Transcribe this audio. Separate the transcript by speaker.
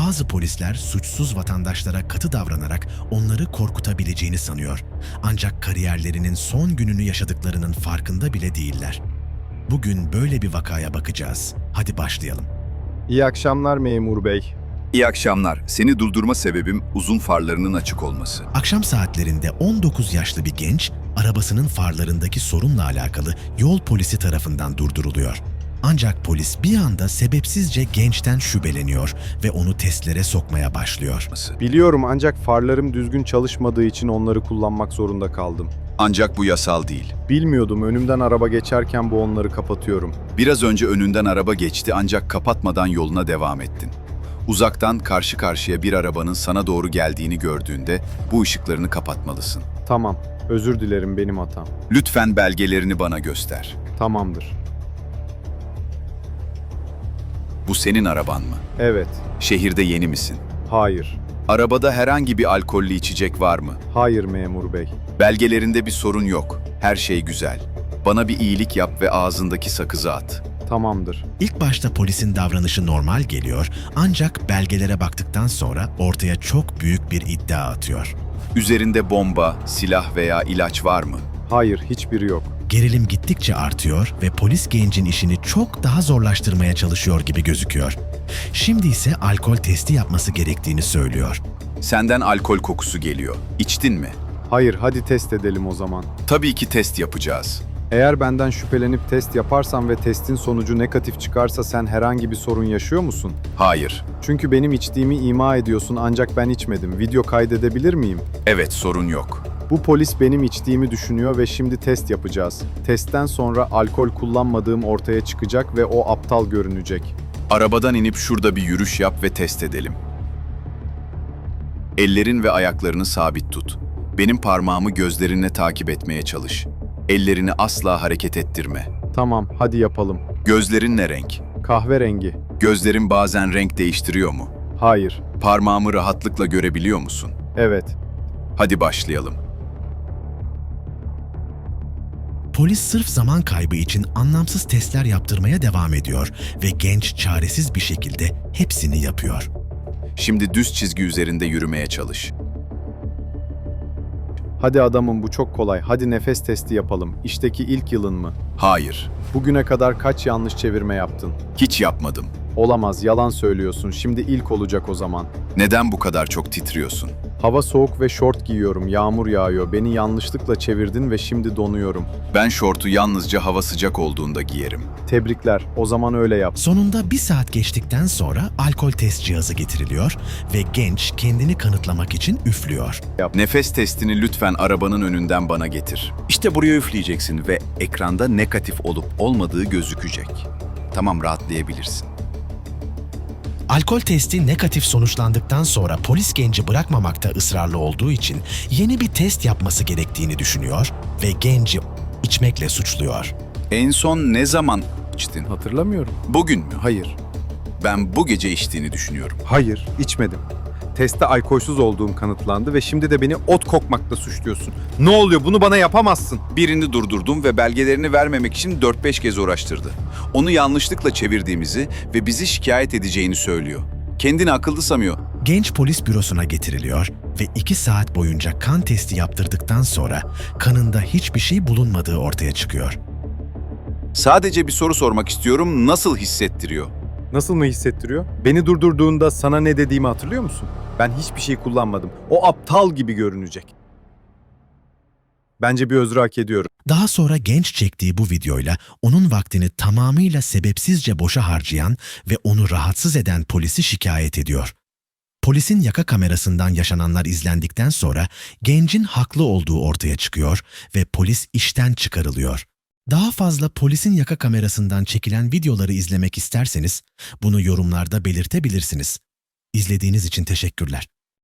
Speaker 1: Bazı polisler suçsuz vatandaşlara katı davranarak onları korkutabileceğini sanıyor. Ancak kariyerlerinin son gününü yaşadıklarının farkında bile değiller. Bugün böyle bir vakaya bakacağız. Hadi başlayalım.
Speaker 2: İyi akşamlar memur bey.
Speaker 3: İyi akşamlar. Seni durdurma sebebim uzun farlarının açık olması.
Speaker 1: Akşam saatlerinde 19 yaşlı bir genç, arabasının farlarındaki sorunla alakalı yol polisi tarafından durduruluyor. Ancak polis bir anda sebepsizce gençten şüpheleniyor ve onu testlere sokmaya başlıyor.
Speaker 2: Biliyorum ancak farlarım düzgün çalışmadığı için onları kullanmak zorunda kaldım.
Speaker 3: Ancak bu yasal değil.
Speaker 2: Bilmiyordum, önümden araba geçerken bu onları kapatıyorum.
Speaker 3: Biraz önce önünden araba geçti ancak kapatmadan yoluna devam ettin. Uzaktan karşı karşıya bir arabanın sana doğru geldiğini gördüğünde bu ışıklarını kapatmalısın.
Speaker 2: Tamam, özür dilerim, benim hatam.
Speaker 3: Lütfen belgelerini bana göster.
Speaker 2: Tamamdır.
Speaker 3: Bu senin araban mı?
Speaker 2: Evet,
Speaker 3: Şehirde yeni misin?
Speaker 2: hayır.
Speaker 3: Arabada herhangi bir alkollü içecek var mı?
Speaker 2: Hayır memur bey.
Speaker 3: Belgelerinde bir sorun yok. Her şey güzel. Bana bir iyilik yap ve ağzındaki sakızı at.
Speaker 2: Tamamdır.
Speaker 1: İlk başta polisin davranışı normal geliyor, ancak belgelere baktıktan sonra ortaya çok büyük bir iddia atıyor.
Speaker 3: Üzerinde bomba, silah veya ilaç var mı?
Speaker 2: Hayır, hiçbiri yok.
Speaker 1: Gerilim gittikçe artıyor ve polis gencin işini çok daha zorlaştırmaya çalışıyor gibi gözüküyor. Şimdi ise alkol testi yapması gerektiğini söylüyor.
Speaker 3: Senden alkol kokusu geliyor. İçtin mi?
Speaker 2: Hayır, hadi test edelim o zaman.
Speaker 3: Tabii ki test yapacağız.
Speaker 2: Eğer benden şüphelenip test yaparsan ve testin sonucu negatif çıkarsa sen herhangi bir sorun yaşıyor musun?
Speaker 3: Hayır.
Speaker 2: Çünkü benim içtiğimi ima ediyorsun ancak ben içmedim. Video kaydedebilir miyim?
Speaker 3: Evet, sorun yok.
Speaker 2: Bu polis benim içtiğimi düşünüyor ve şimdi test yapacağız. Testten sonra alkol kullanmadığım ortaya çıkacak ve o aptal görünecek.
Speaker 3: Arabadan inip şurada bir yürüyüş yap ve test edelim. Ellerin ve ayaklarını sabit tut. Benim parmağımı gözlerinle takip etmeye çalış. Ellerini asla hareket ettirme.
Speaker 2: Tamam, hadi yapalım.
Speaker 3: Gözlerin ne renk?
Speaker 2: Kahverengi.
Speaker 3: Gözlerin bazen renk değiştiriyor mu?
Speaker 2: Hayır.
Speaker 3: Parmağımı rahatlıkla görebiliyor musun?
Speaker 2: Evet.
Speaker 3: Hadi başlayalım.
Speaker 1: Polis sırf zaman kaybı için anlamsız testler yaptırmaya devam ediyor ve genç çaresiz bir şekilde hepsini yapıyor.
Speaker 3: Şimdi düz çizgi üzerinde yürümeye çalış.
Speaker 2: Hadi adamım, bu çok kolay. Hadi nefes testi yapalım. İşteki ilk yılın mı?
Speaker 3: Hayır,
Speaker 2: Bugüne kadar kaç yanlış çevirme yaptın?
Speaker 3: hiç yapmadım.
Speaker 2: Olamaz, yalan söylüyorsun. Şimdi ilk olacak o zaman.
Speaker 3: Neden bu kadar çok titriyorsun?
Speaker 2: Hava soğuk ve şort giyiyorum. Yağmur yağıyor. Beni yanlışlıkla çevirdin ve şimdi donuyorum.
Speaker 3: Ben şortu yalnızca hava sıcak olduğunda giyerim.
Speaker 2: Tebrikler. O zaman öyle yap.
Speaker 1: Sonunda 1 saat geçtikten sonra alkol test cihazı getiriliyor ve genç kendini kanıtlamak için üflüyor.
Speaker 3: Nefes testini lütfen arabanın önünden bana getir. İşte buraya üfleyeceksin ve ekranda negatif olup olmadığı gözükecek. Tamam, rahatlayabilirsin.
Speaker 1: Alkol testi negatif sonuçlandıktan sonra polis genci bırakmamakta ısrarlı olduğu için yeni bir test yapması gerektiğini düşünüyor ve genci içmekle suçluyor.
Speaker 3: En son ne zaman içtin?
Speaker 2: Hatırlamıyorum.
Speaker 3: Bugün mü?
Speaker 2: Hayır.
Speaker 3: Ben bu gece içtiğini düşünüyorum.
Speaker 2: Hayır, içmedim. Testte alkolsüz olduğum kanıtlandı ve şimdi de beni ot kokmakla suçluyorsun. Ne oluyor? Bunu bana yapamazsın.
Speaker 3: Birini durdurdum ve belgelerini vermemek için 4-5 kez uğraştırdı. Onu yanlışlıkla çevirdiğimizi ve bizi şikayet edeceğini söylüyor. Kendini akıllı sanıyor.
Speaker 1: Genç polis bürosuna getiriliyor ve 2 saat boyunca kan testi yaptırdıktan sonra kanında hiçbir şey bulunmadığı ortaya çıkıyor.
Speaker 3: Sadece bir soru sormak istiyorum. Nasıl hissettiriyor?
Speaker 2: Nasıl mı hissettiriyor? Beni durdurduğunda sana ne dediğimi hatırlıyor musun? Ben hiçbir şey kullanmadım. O aptal gibi görünecek. Bence bir özrü hak ediyorum.
Speaker 1: Daha sonra genç çektiği bu videoyla onun vaktini tamamıyla sebepsizce boşa harcayan ve onu rahatsız eden polisi şikayet ediyor. Polisin yaka kamerasından yaşananlar izlendikten sonra gencin haklı olduğu ortaya çıkıyor ve polis işten çıkarılıyor. Daha fazla polisin yaka kamerasından çekilen videoları izlemek isterseniz bunu yorumlarda belirtebilirsiniz. İzlediğiniz için teşekkürler.